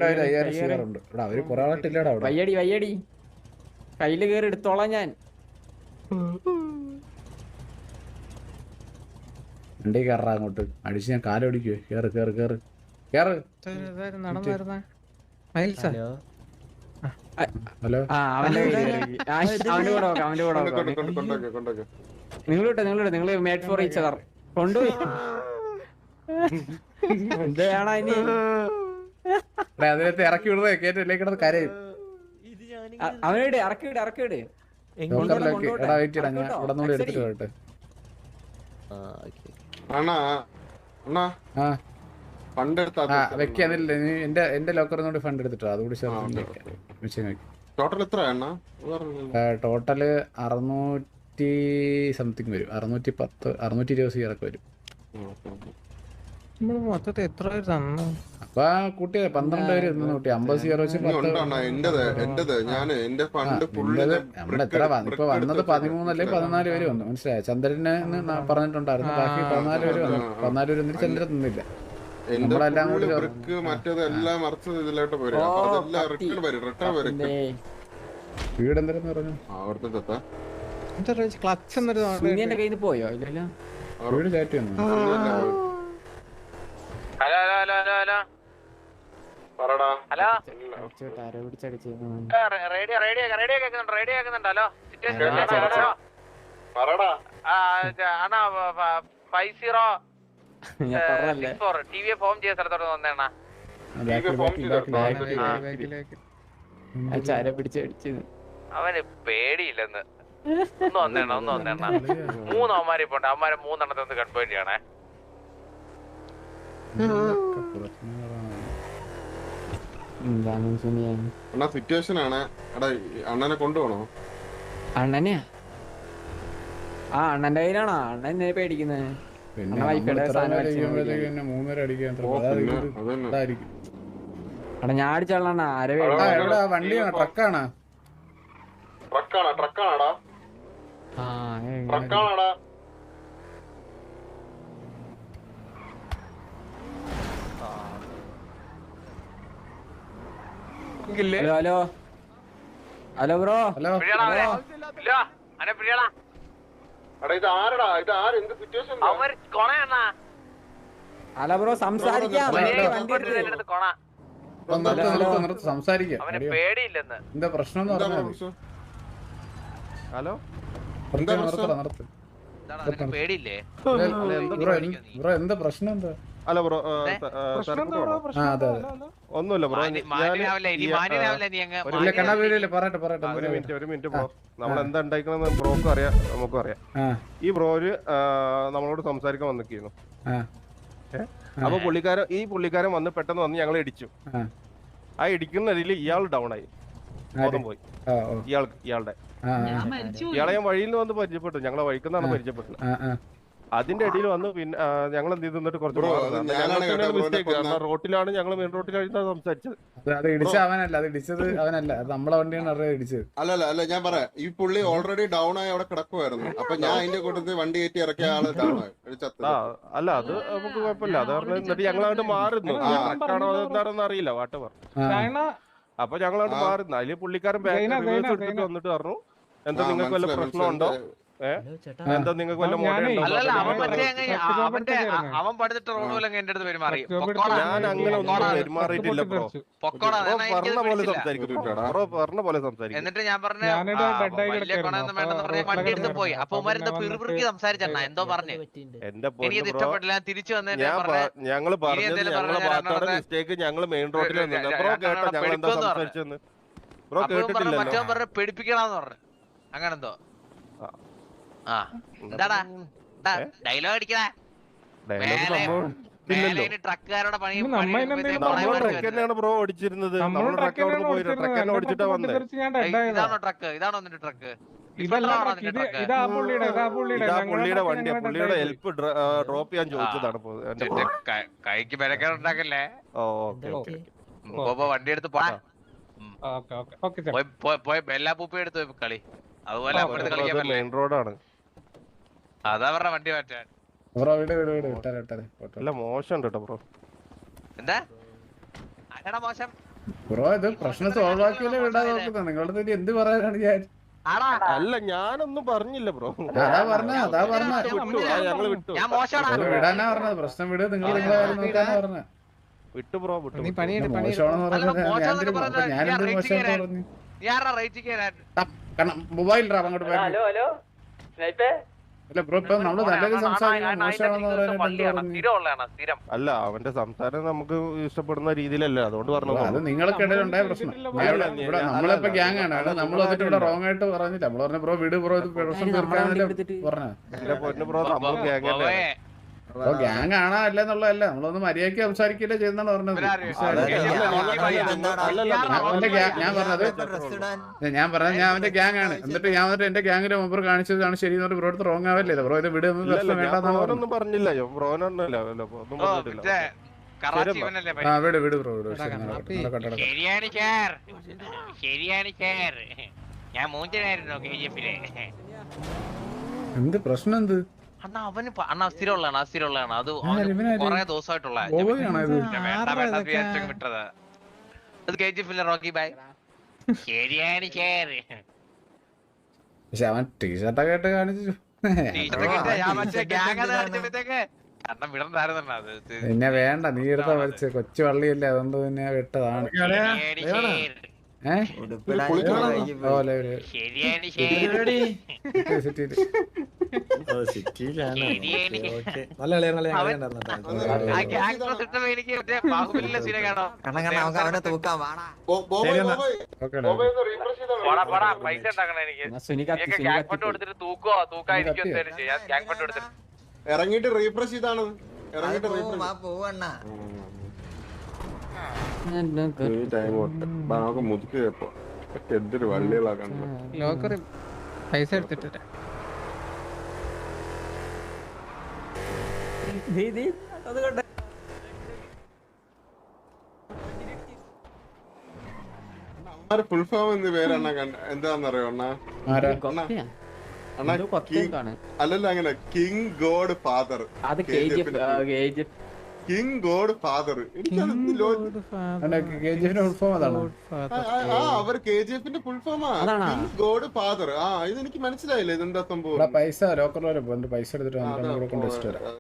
5000 share ഉണ്ട്. അവര് കുറെ ആളിട്ടില്ലടാ അവിടെ. വയ്യടി കയ്യില് കേറി എടുത്തോളാം ഞാൻ. വണ്ടി കയറാ അങ്ങോട്ട് അടിച്ച് ഞാൻ കാലൊടിക്കുവേ. കേറ് കേറ് കേറ് കേറ്. ഹലോ നിങ്ങള് മേഡ് ഫോർ ഈച്ച് അതർ കൊണ്ടുപോയി എന്താണ് ഇനി അതിനകത്ത് ഇറക്കി വിടുന്നേ കേട്ടില്ലേ കിടന്ന് കരയും. അവനോട് ഇറക്കിവിട് എടാ വെയിറ്റ് ഇടാ ഞാൻ ഇവിടെ നിന്ന് എടുത്തിട്ട് പോയിട്ട്. വെക്ക അതില്ല എന്റെ ലോക്കറിനോട് ഫണ്ട് എടുത്തിട്ടോ അതുകൂടി ടോട്ടല് 600 സംതിങ് വരും. 610 620 സീറൊക്കെ വരും. മൊത്തത്തിൽ എത്ര അപ്പൊ കൂട്ടിയ 12 പേര് കൂട്ടി 50 സീറോ വെച്ച് നമ്മളെത്ര ഇപ്പൊ വന്നത് 13 അല്ലെ 14 പേര് വന്നു. മനസ്സിലായ ചന്ദ്രന് പറഞ്ഞിട്ടുണ്ടായിരുന്നു. ബാക്കി 14 പേര് വന്നു. 14 പേര് ഒന്നും ചന്ദ്രൻ നിന്നില്ല. നമ്മളെല്ലാം കൂടി വീട് എന്തെന്ന് പറഞ്ഞു കയ്യിൽ നിന്ന് പോയോ ഇല്ലല്ലോ. വീട് ചാറ്റ് വന്നു. അവന് പേടിയില്ലെന്ന് ഒന്ന് വന്നേണ്ണ 3 അവന്മാരെ പോണ്ട്. അവന്മാരെ 3 എണ്ണത്തെ ഒന്ന് കൺഫേം ചെയ്യണേ. സിറ്റുവേഷൻ ആണ്. അണ്ണനെ കൊണ്ടുപോണോ? അണ്ണനെയാ അണ്ണന്റെ കയ്യിലാണോ? അണ്ണൻ പേടിക്കുന്നത് ഞാൻ അടിച്ചാളാണ്. വണ്ടിയാണോ ട്രക്കാണോ? Hello hello bro. Hello hello bro സംസാരിക്കാം. സംസാരിക്കാം. പേടിയില്ലെന്ന് എന്താ പ്രശ്നം? ഹലോ പേടിയില്ലേ ബ്രോ എന്താ പ്രശ്നം? എന്താ? അല്ല ബ്രോ ഒന്നുമില്ല ബ്രോ. ഒരു മിനിറ്റ് ബ്രോ. നമ്മൾ എന്താ ഉണ്ടായിക്കണെന്ന് ബ്രോക്കും അറിയാം നമുക്കും അറിയാം. ഈ ബ്രോര് നമ്മളോട് സംസാരിക്കാൻ വന്നിരിക്കുന്നു. അപ്പൊ പുള്ളിക്കാരൻ വന്ന് പെട്ടെന്ന് വന്ന് ഞങ്ങളെ ഇടിച്ചു. ആ ഇടിക്കുന്നതിൽ ഇയാൾ ഡൗൺ ആയി, ബോധം പോയി. ഇയാളുടെ ഇയാളെ ഞാൻ വഴിയിൽ നിന്ന് വന്ന് പരിചയപ്പെട്ടു. ഞങ്ങളെ വഴിക്കുന്നാണ് പരിചയപ്പെട്ടത്. അതിന്റെ ഇടയിൽ വന്ന് പിന്നെ ഞങ്ങൾ എന്ത് ചെയ്തിട്ട് കുറച്ച് മിസ്റ്റേക്ക്. കാരണം റോട്ടിലാണ്, ഞങ്ങൾ മെയിൻ റോട്ടിലാണ് സംസാരിച്ചത്. അല്ല ഞാൻ പറയാം. ഈ പുള്ളി ഓൾറെഡി ഡൗൺ ആയി അവിടെ കിടക്കുമായിരുന്നു. അപ്പൊ ഞാൻ അതിന്റെ കൂട്ടത്തിൽ വണ്ടി കയറ്റി ഇറക്കിയ ആള് ഡൗൺ ആയി. അല്ല അത് നമുക്ക് കുഴപ്പമില്ല. അത് പറഞ്ഞ എന്നിട്ട് ഞങ്ങളങ്ങോട്ട് മാറുന്നു. ട്രക്കാണോ അതെന്താണെന്ന് അറിയില്ല വാട്ട് പറഞ്ഞു. അപ്പൊ ഞങ്ങളങ്ങോട്ട് മാറുന്നു. അതില് പുള്ളിക്കാരൻ ബാക്ക് റിവേഴ്സ് എടുത്തിട്ട് വന്നിട്ട് പറഞ്ഞു എന്താ നിങ്ങൾക്ക് വല്ല പ്രശ്നമുണ്ടോ? എന്താ നിങ്ങൾക്ക് വല്ല അവൻ പഠിച്ചിട്ട് റോഡുപോലെങ്കിൽ എന്റെ അടുത്ത് പെരുമാറി. ഞാൻ അങ്ങനെ ഒന്നും പെരുമാറിയിട്ടില്ല ബ്രോ. പറഞ്ഞ പോലെ സംസാരിക്കും. എന്നിട്ട് ഞാൻ പറഞ്ഞു വലിയ കൊണയൊന്നും വേണ്ടെന്ന് പറഞ്ഞ വണ്ടി എടുത്ത് പോയി. അപ്പൊ ഉമാരെന്തോ പിറുപിറുക്കി സംസാരിച്ചെണ്ണ എന്തോ പറഞ്ഞു. എനിക്ക് ഇഷ്ടപ്പെട്ടില്ല. തിരിച്ചു വന്നേ ഞങ്ങള് മിസ്റ്റേക്ക്. ഞങ്ങള് മെയിൻ റോഡിൽ ബ്രോ കേട്ടോ ഞങ്ങൾ എന്താ സംസാരിച്ചെന്ന് ബ്രോ കേട്ടിട്ടില്ല. മറ്റവൻ പറഞ്ഞു പേടിപ്പിക്കണമെന്ന് പറഞ്ഞു. അങ്ങനെന്തോ എന്താടാ ഡയലോഗ് അടിക്കണേ. ട്രക്കുകാരുടെ പണി ബ്രോ ഓടിച്ചിരുന്നത്. ഇതാണോ ട്രക്ക്? ഇതാണോ നിന്റെ ട്രക്ക്? പുള്ളിയുടെ വണ്ടിയാ. പുള്ളിയുടെ ഹെൽപ്പ് ഡ്രോപ്പ് ചെയ്യാൻ ചോദിച്ചതാണ്. കൈക്ക് ബലക്കേട് ഉണ്ടാക്കല്ലേ. വണ്ടി എടുത്ത് പോയ ബെല്ലാ പൂപ്പി എടുത്ത് കളി. അതുപോലെ മെയിൻ റോഡാണ്. അതാ പറഞ്ഞ വണ്ടി മാറ്റാൻ. മോശം കേട്ടോ ബ്രോ. എന്താ അല്ലടാ മോശം? ബ്രോ ഇത് പ്രശ്നം സോൾവ് ആക്കിയല്ലേ വിടാൻ നോക്കുന്നത്. നിങ്ങളുടെ തന്നെ എന്ത് പറയാനാണ് ഞാൻ? അല്ല ഞാനൊന്നും പറഞ്ഞില്ല ബ്രോ. അതാ പറഞ്ഞ ഞങ്ങള് വിട്ടു ഞാൻ മോശമാണ് വിടാനാ പറഞ്ഞത്. പ്രശ്നം വിട്, നിങ്ങൾ നിങ്ങളെ കാര്യം നോക്കാനാ പറഞ്ഞത്. വിട്ടു ബ്രോ വിട്ടു. മോശമാണെന്ന് പറഞ്ഞത് ഞാനെന്ത് മോശമായിട്ട് പറഞ്ഞു? മൊബൈൽ അങ്ങോട്ട് പോയി. അല്ല ബ്രോ ഇപ്പൊ നമ്മള് നല്ലൊരു സംസാരിക്കും മോശമാണെന്ന് പറയാനായിട്ട്. അല്ല അവന്റെ സംസാരം നമുക്ക് ഇഷ്ടപ്പെടുന്ന രീതിയിലല്ല, അതുകൊണ്ട് പറഞ്ഞു. അത് നിങ്ങൾക്കിടയിൽ ഉണ്ടായ പ്രശ്നം. ഇവിടെ നമ്മളിപ്പോ ഗ്യാങ് ആണ്, നമ്മൾ വന്നിട്ട് ഇവിടെ റോങ് ആയിട്ട് പറഞ്ഞില്ല. നമ്മൾ പറഞ്ഞ ബ്രോ വിട് ബ്രോ, ഇത് പ്രശ്നം തീർക്കാന്നല്ലേ പറഞ്ഞ. എന്റെ പൊന്നു ബ്രോ, നമ്മൾ ഗ്യാങ് അല്ലേ. ബ്രോ ഗ്യാങ് ആണോ അല്ലെന്നുള്ളതല്ല, നമ്മളൊന്ന് മര്യാദയ്ക്ക് സംസാരിക്കില്ലേ ചെയ്യുന്നാണ് പറഞ്ഞത്. ഞാൻ പറഞ്ഞത് ഞാൻ അവന്റെ ഗ്യാങ് ആണ്. എന്നിട്ട് ഞാൻ വന്നിട്ട് എന്റെ ഗ്യാങ്ങിന്റെ മെമ്പർ കാണിച്ചതാണ് ശരി എന്ന് ബ്രോ അടുത്ത് റോങ് ആവല്ലേ? ബ്രോ ഇത് വിട്, പ്രശ്നം വേണ്ടെന്നാണ് പറഞ്ഞില്ല. ബ്രോനൊന്നുമില്ല. വിട് വിട് ബ്രോ വിട്. ഞാൻ എന്ത് പ്രശ്നം? എന്ത് അണ്ണാ അവന് അണ്ണാ സ്ഥിരമുള്ളതാണ്, സ്ഥിരമുള്ളതാണ്. അത് കൊറേ ദിവസമായിട്ടുള്ള വിട്ടത്. അത് KGF റോക്കി ബൈ. ശരിയാണ് ചേർ. പക്ഷെ അവൻ ടീഷർട്ടൊക്കെ ആയിട്ട് കാണിച്ചു. പിന്നെ വേണ്ട, നീ എടുത്ത വലിച്ച് കൊച്ചു വള്ളിയല്ലേ, അതുകൊണ്ട് പിന്നെ വിട്ടതാണ്. ഇറങ്ങിട്ട് റീഫ്രഷ് ചെയ്താണ്. ഇറങ്ങിട്ട് മുതുക്കി എന്തൊരു വള്ളികളാക്കണ്ട. ലോക്കറി പൈസ എടുത്തിട്ട് ഫുൾ ഫോം എന്ന് പേരെണ്ണ എന്താന്നറിയോ അണ്ണാ? അല്ലല്ല, അങ്ങനെ king godfather. King godfather. അവർ KGF ഫുൾ ഫോമാ. King godfather. ഇത് എനിക്ക് മനസ്സിലായില്ല ഇതെന്താ സംഭവം. പൈസ ലോക്കറിൽ പൈസ എടുത്തിട്ട് കൊണ്ട് വരാം.